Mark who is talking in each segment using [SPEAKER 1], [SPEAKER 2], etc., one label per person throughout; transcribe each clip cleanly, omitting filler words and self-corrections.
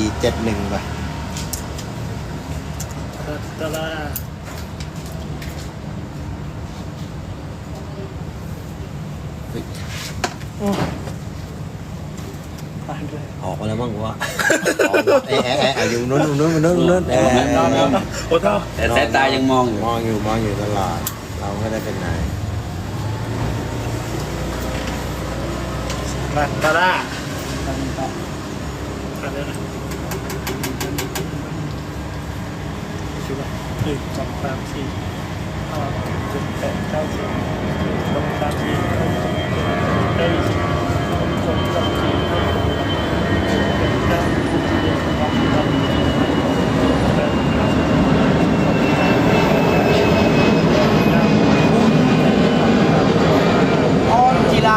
[SPEAKER 1] 471ไป
[SPEAKER 2] ตะลา
[SPEAKER 1] ออกมาแล้วมั้งวะอยู่นู้น
[SPEAKER 3] โอ้เท่าแต่สายตายังมองอยู่
[SPEAKER 1] มองอยู่ตลอดเราไม่ได้เป็นไหน
[SPEAKER 2] ตะลาอะไรนะชื่อว่า1 2 3 4 5 6 7 8 9 10 1 2 3 4 5 6 7 8 9 10 1 2 3 4
[SPEAKER 4] ออนจีรา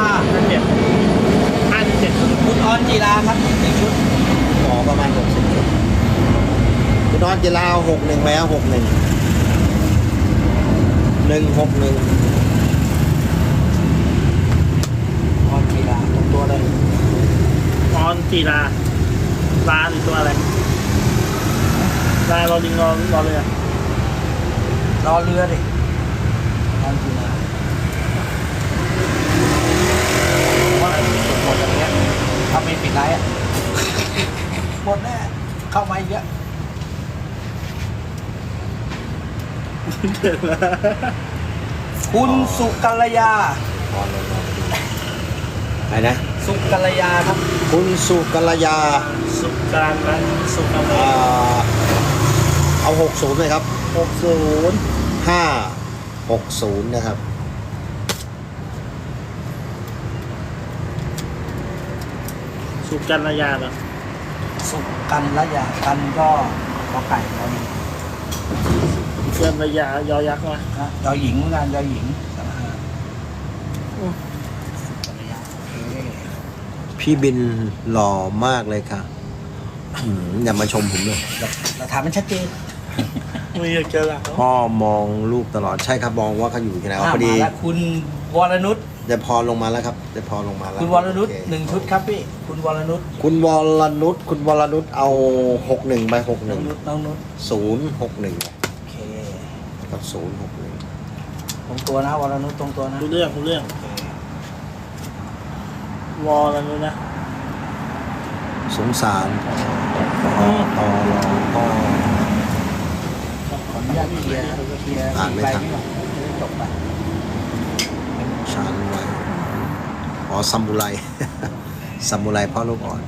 [SPEAKER 4] คุณออนจีราครับ1 ชุด
[SPEAKER 1] หมอประมาณ60ชุดคุณนอนจะลาว61แล้ว61 161
[SPEAKER 4] ออนจีราตรงตัวเลย
[SPEAKER 2] ออนจีราลาหรือตัวอะไรลาเราดิงรอเลยอ่ะ
[SPEAKER 4] รอเรือดิออนจีราว่าหมดอย่างเงี้ยทำไม่ปิดไลน์อ่ะหมดแน่เข้ามาอีกเยอะคุณสุกัลยา
[SPEAKER 1] ไหนนะ
[SPEAKER 4] สุกัลยาครับ
[SPEAKER 1] คุณสุกัลยา
[SPEAKER 2] สุการนะสุการ
[SPEAKER 1] เอา60เลยครับ
[SPEAKER 2] 60
[SPEAKER 1] 560นะครับ
[SPEAKER 2] สุการนายาเหรอ
[SPEAKER 4] สุกันละยากันก็ขอไก่ตอนนี้
[SPEAKER 2] เกินระยะยอยักษ์มา
[SPEAKER 4] นะยอหญิงเหมือนกันยอหญิงสุกันละยา
[SPEAKER 1] พี่บินหล่อมากเลยค่ะอย่ามาชมผมเลย
[SPEAKER 4] หลักฐานมันชัดเจน
[SPEAKER 2] ไม่อยากเจอหลัก
[SPEAKER 1] พ่อมองลูกตลอดใช่ครับมองว่าเขาอยู่ที่ไหนพอดี
[SPEAKER 4] มาแล้วคุณวรนุช
[SPEAKER 1] เดี๋ยวพอลงมาแล้วครับเดี๋ยวพอลงมาแล้ว
[SPEAKER 4] คุณวรนุช1 ชุดครับพี่คุณวรนุช
[SPEAKER 1] คุณวรนุชเอา61ไป61
[SPEAKER 4] น้องนุช
[SPEAKER 1] 061
[SPEAKER 4] โอเค
[SPEAKER 1] กับ061
[SPEAKER 4] ตรงตัวนะวรนุชตรงตัวนะ
[SPEAKER 2] รู้เรื่องวอลอะไรนู้นนะ
[SPEAKER 1] สงสารต่อรอพ่อ
[SPEAKER 4] ขออนุญาตเคลียร์
[SPEAKER 1] อ่านไม่ทัน
[SPEAKER 4] จบไป
[SPEAKER 1] ชาญไว้ซามูไร ซามูไรพ่อลูกอ่อน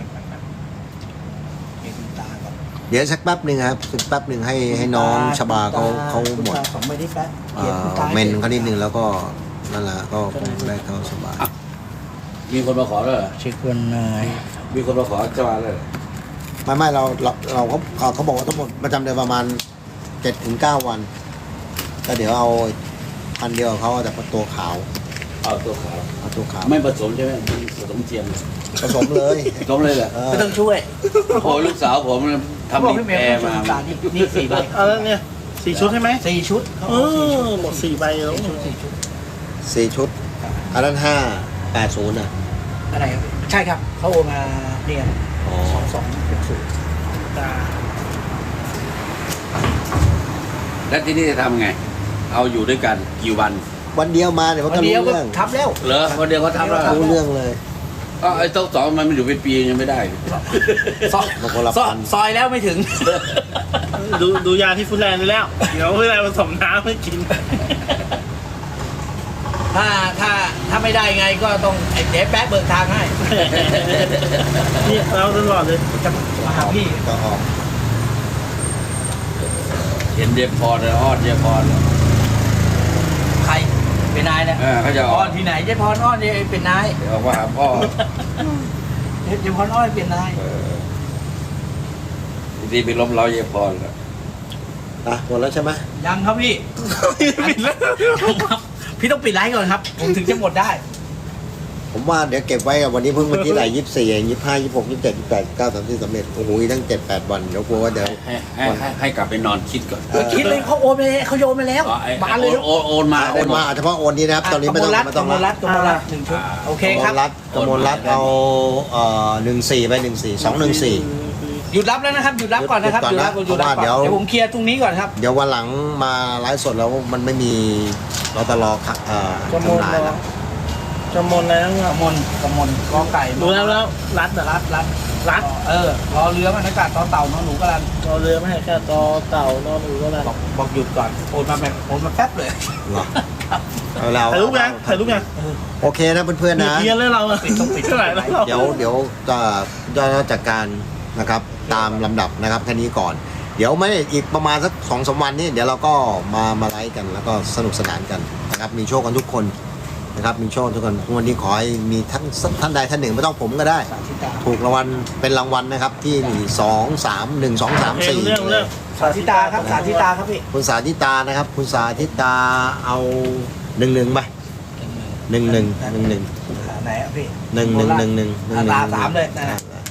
[SPEAKER 1] เดี๋ยวสักแป๊บหนึ่งครับสักแป๊บหนึ่งให้น้องชบาเขาหมดเมนเขานิดนึงแล้วก็นั่นแหละก็คงได้เข้าสบาย
[SPEAKER 3] มีคนมาขอแล้วเหรอ
[SPEAKER 4] เช็ควันนาย
[SPEAKER 3] มีคนมาขอจะมาเลย
[SPEAKER 1] ไม่เราเขาบอกว่าทั้งหมดประจำเดือนประมาณ 7-9 วันก็เดี๋ยวเอาพันเดียวเขาแต่ตัวขาว
[SPEAKER 3] เอาตัวขาวไม่ผสมใช่ไหมผสมเทียม
[SPEAKER 1] ผสมเลย
[SPEAKER 3] ผสมเลยเหรอ
[SPEAKER 4] ไม่ต้องช่วย
[SPEAKER 3] โอ้ลูกสาวผมทำดีแปรมา
[SPEAKER 4] นี่4 ใบ
[SPEAKER 2] เนี่ย4 ชุดใช่ไหม
[SPEAKER 4] 4 ชุด
[SPEAKER 2] หมด4 ใบแล้ว
[SPEAKER 1] 4 ชุดอันนั้น580อ่ะ
[SPEAKER 4] อะไรใช่ครับเขาโอนมาเนี่ย2260
[SPEAKER 3] แล้วที่นี่จะทำไงเอาอยู่ด้วยกันกี่วัน
[SPEAKER 1] เดียวมาเดี๋ยวก็รู้เรื่อง
[SPEAKER 4] ทำแล้ว
[SPEAKER 3] เหรอวันเดียวเขาทำแล้ว
[SPEAKER 1] รู้เรื่องเลย
[SPEAKER 3] ก็ไอ้โต๊ะสองมันอยู่เป็นปียังไม่ได้
[SPEAKER 4] ซอยแล้วไม่ถึง
[SPEAKER 2] ดูยาที่ฟุตแลนด์ไปแล้วเดี๋ยวฟุตแลนด์ผสมน้ำไม่กิน
[SPEAKER 4] ถ้าไม่ได้ไงก็ต้องไอ้เจ๊แป๊ะเบิกทางให้
[SPEAKER 2] นี่เราตลอดเลย
[SPEAKER 4] จะมาหาพี่
[SPEAKER 1] ก็ออก
[SPEAKER 3] เห็นเดพอร์เลยอ้อนเดพอร์
[SPEAKER 4] ใครเป็นนายเนี่ย
[SPEAKER 3] เขาจะ
[SPEAKER 4] อ้อนที่ไหนเจ๊พรอ้อนเป็นนาย
[SPEAKER 3] ออกมาหาพ่อ
[SPEAKER 4] เจ๊พรอ้อนเป็นนาย
[SPEAKER 3] ดีไปล้มเราเจ๊พรแล้ว
[SPEAKER 1] หมดแล้วใช่ไหม
[SPEAKER 4] ยังครับพี่ปิดแล้วพี่ต้องปิดไลฟ์ก่อนครับผมถึงจะหมดได้
[SPEAKER 1] ผมว่าเดี๋ยวเก็บไว้กับวันนี้เพิ่งวันที่ไหน24 25 26 27 28 9 30สำเร็จโอ้โหตั้ง7-8 วันเดี๋ยวกลัวว่าเดี๋ยว
[SPEAKER 3] ให้กลับไปนอนคิดก่อน
[SPEAKER 4] คิดเลยเขาโอนไปเขาโยนไปแล้ว
[SPEAKER 3] มาเลยโอนมา
[SPEAKER 1] เฉพาะโอนนี้นะครับตอนนี้ไม่ต้อง
[SPEAKER 4] กมลรัฐ1 ชุดโอเคครับ
[SPEAKER 1] กมลรัฐเอา14ไป14 214
[SPEAKER 4] หยุดรับแล้วนะครับหยุดรับก่อนนะครับ
[SPEAKER 1] หยุดก่อนนะ
[SPEAKER 4] หยุดรับก่อน
[SPEAKER 1] เพราะว่าเดี๋ยว
[SPEAKER 4] เดี๋ยวผมเคลียร์ตรงนี้ก่อนครับ
[SPEAKER 1] เดี๋ยววันหลังมาไลฟ์สดแล้วมันไม่มีรตล
[SPEAKER 2] กระมวล
[SPEAKER 1] จำหน่ายแล้ว
[SPEAKER 2] กระมวลอะไรนั่น
[SPEAKER 4] กระมนกอไก่
[SPEAKER 2] รู้แล้วรัดเหรอ รัด
[SPEAKER 4] รอเรือมันอากาศต่อเต่านอนหนูกำลัง
[SPEAKER 2] รอเรือไม่ให้แค่ต่อเต่านอนหนูก็ได้
[SPEAKER 4] บอกหยุดก่อนโอนมาแป๊บเลย
[SPEAKER 1] เหรอเอาแล้ว
[SPEAKER 2] ถ่ายรูปยัง
[SPEAKER 1] โอเคนะเพื่อนๆนะ
[SPEAKER 2] เพี้ยนเลยเราอะ
[SPEAKER 4] ต้องปิด
[SPEAKER 2] เท่าไหร่แล้วเรา
[SPEAKER 1] เดี๋ยวจะจัดการนะครับตามลำดับนะครับแค่นี้ก่อน เดี๋ยวไม่อีกประมาณสัก2-3 วันนี้เดี๋ยวเราก็มาไลฟ์กันแล้วก็สนุกสนานกันนะครับมีโชคกันทุกคนนะครับมีโชคทุกคนวันนี้ขอให้มีท่านใดท่านหนึ่งไม่ต้องผมก็ได้
[SPEAKER 4] สาธิตา
[SPEAKER 1] ถูกรางวัลเป็นรางวัลนะครับที่2 3 1 2 3 4
[SPEAKER 2] เรื่อง
[SPEAKER 4] สาธิตาครับสาธิตาครับพี่
[SPEAKER 1] คุณสาธิตานะครับคุณสาธิตาเอา11ไป11
[SPEAKER 4] ไหนอ่ะพี่
[SPEAKER 1] 11
[SPEAKER 4] ตาสามเลยนะ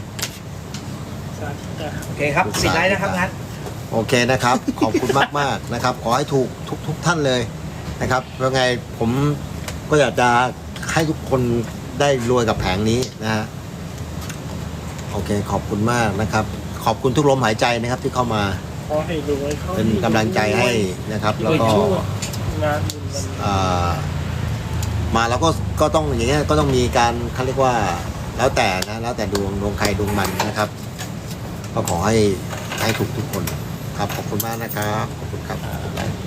[SPEAKER 4] โอเคครับปิดไลน์นะครับงั้น
[SPEAKER 1] โอเคนะครับ ขอบคุณมากๆนะครับ ขอให้ถูกทุกท่านเลยนะครับแล้วไงผมก็อยากจะให้ทุกคนได้รวยกับแผงนี้นะฮะโอเคขอบคุณมากนะครับ ขอบคุณทุกลมหายใจนะครับที่เข้ามา
[SPEAKER 2] ขอให้รวย
[SPEAKER 1] เป็นกำลังใจให้นะครับ แล้วก็
[SPEAKER 2] งานบุญมัน
[SPEAKER 1] มาแล้วก็ต้องอย่างเงี้ยก็ต้องมีการเขาเรียกว่าแล้วแต่นะแล้วแต่ดวงใครดวงมันนะครับ ก็ขอให้ถูกทุกคนครับขอบคุณมากนะครับขอบคุณครับ